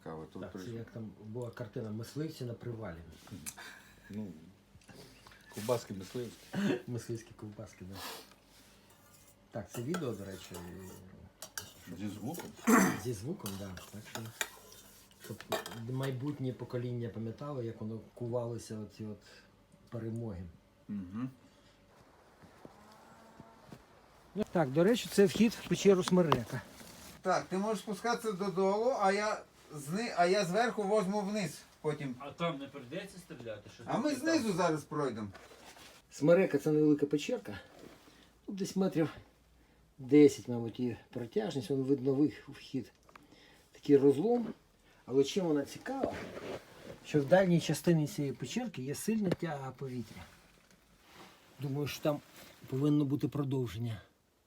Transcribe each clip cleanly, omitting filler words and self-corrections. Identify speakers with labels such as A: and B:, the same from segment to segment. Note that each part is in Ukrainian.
A: цікаве. Тут
B: Так, це як там була картина «Мисливці на привалі».
A: ну, ковбаски мисливські.
B: Мисливські ковбаски, да. Так, це відео, до речі,
A: Зі звуком.
B: зі звуком, да. Так що, щоб майбутнє покоління пам'ятало, як воно кувалося оці от перемоги.
A: Угу.
B: Так, до речі, це вхід в печеру Смерека.
C: Так, ти можеш спускатися додолу, а я зверху возьму вниз потім.
D: А там не прийдеться стріляти? Що
C: А ми знизу зараз пройдемо.
B: Смерека це невелика печерка. Тут десь метрів 10, мабуть, і протяжність, вон видно вхід. Такий розлом. Але чим вона цікава, що в дальній частині цієї печерки є сильна тяга повітря. Думаю, що там повинно бути продовження.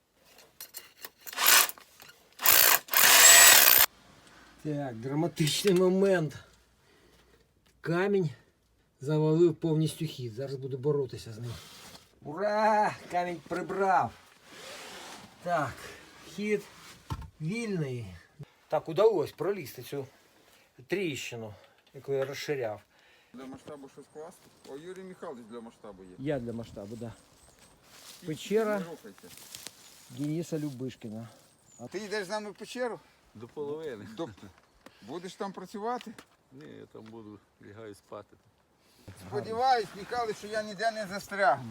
B: Так, драматичний момент. Камінь завалив повністю хід. Зараз буду боротися з ним. Ура! Камінь прибрав. Так, хід вільний. Так, удалось пролізти цю тріщину, яку я розширяв.
A: Для масштабу щось класти? О, Юрій Михайлович для масштабу є.
B: Я для масштабу, так. Да. Печера
A: Не рухайте.
B: Дениса Любишкіна.
C: Ти йдеш з нами в печеру?
A: До половини.
C: Будеш там працювати?
A: Ні, я там буду, лягаю спати.
C: Сподіваюсь, Михайлович, що я ніде не застрягну.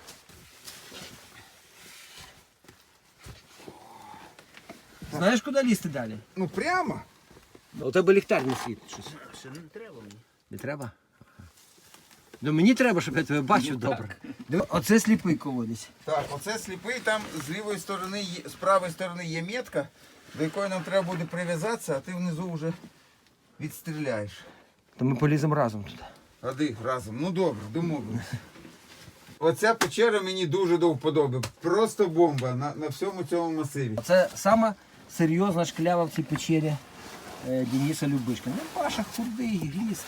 B: Знаєш, куди лізти далі?
C: Ну прямо?
B: У тебе ліхтар не світить щось.
D: Ще не треба мені.
B: Не треба? Ну мені треба, щоб я тебе бачив добре. Оце сліпий колодязь.
C: Так, оце сліпий, там з лівої сторони, з правої сторони є метка, до якої нам треба буде прив'язатися, а ти внизу вже відстріляєш.
B: То ми поліземо разом туди.
C: Ходи разом. Ну добре, домовились. Оця печера мені дуже до вподоби. Просто бомба на всьому цьому масиві.
B: Це сама серйозна шклява в цій печері Дениса Любишкіна. Ну, Паша худий, гліст.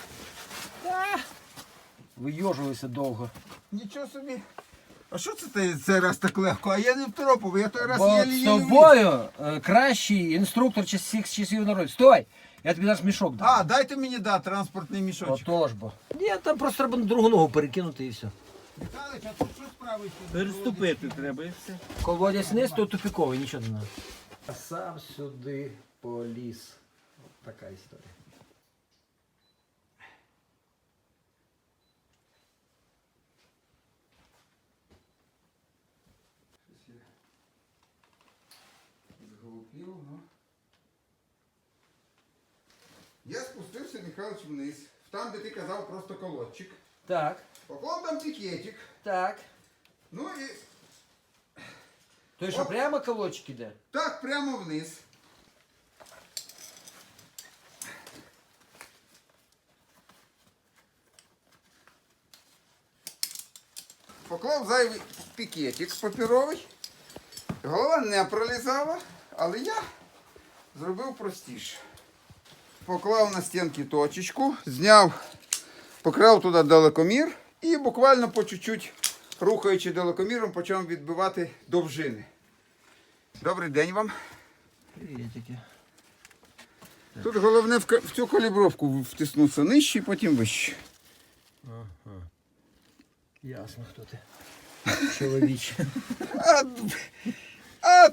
B: Вийожувався довго.
C: Нічого собі. А що це ти цей раз так легко? А я не втропив, я той раз
B: Бо
C: єлі-єлі
B: з тобою кращий інструктор всіх часів народу. Стой! Я тобі зараз мішок дам.
C: А, дайте мені, транспортний мішочок.
B: Отож бо. Ні, там просто треба на другу ногу перекинути і все.
C: Михайлович, а тут що справиться?
D: Переступити треба і все.
B: Колодязь вниз, то тупіковий, нічого не треба. А сам сюди поліз. От така історія.
C: Я спустився, Михайлович, вниз. Там, де ти казав, просто колодчик.
B: Так,
C: Поклав там пікетик.
B: так.
C: Ну і
B: То що,
C: Оп.
B: прямо колодчик іде?
C: так прямо вниз. Поклав зайвий пікетик папіровий. Голова не пролізала, але я зробив простіше. Поклав на стінки точечку, зняв, поклав туди далекомір і буквально по чуть-чуть, рухаючи далекоміром, почав відбивати довжини. Добрий день вам.
B: Привітики.
C: Тут головне в цю калібровку втиснутися нижче і потім вище.
B: Ага. Ясно, хто ти. Чоловіче.
C: А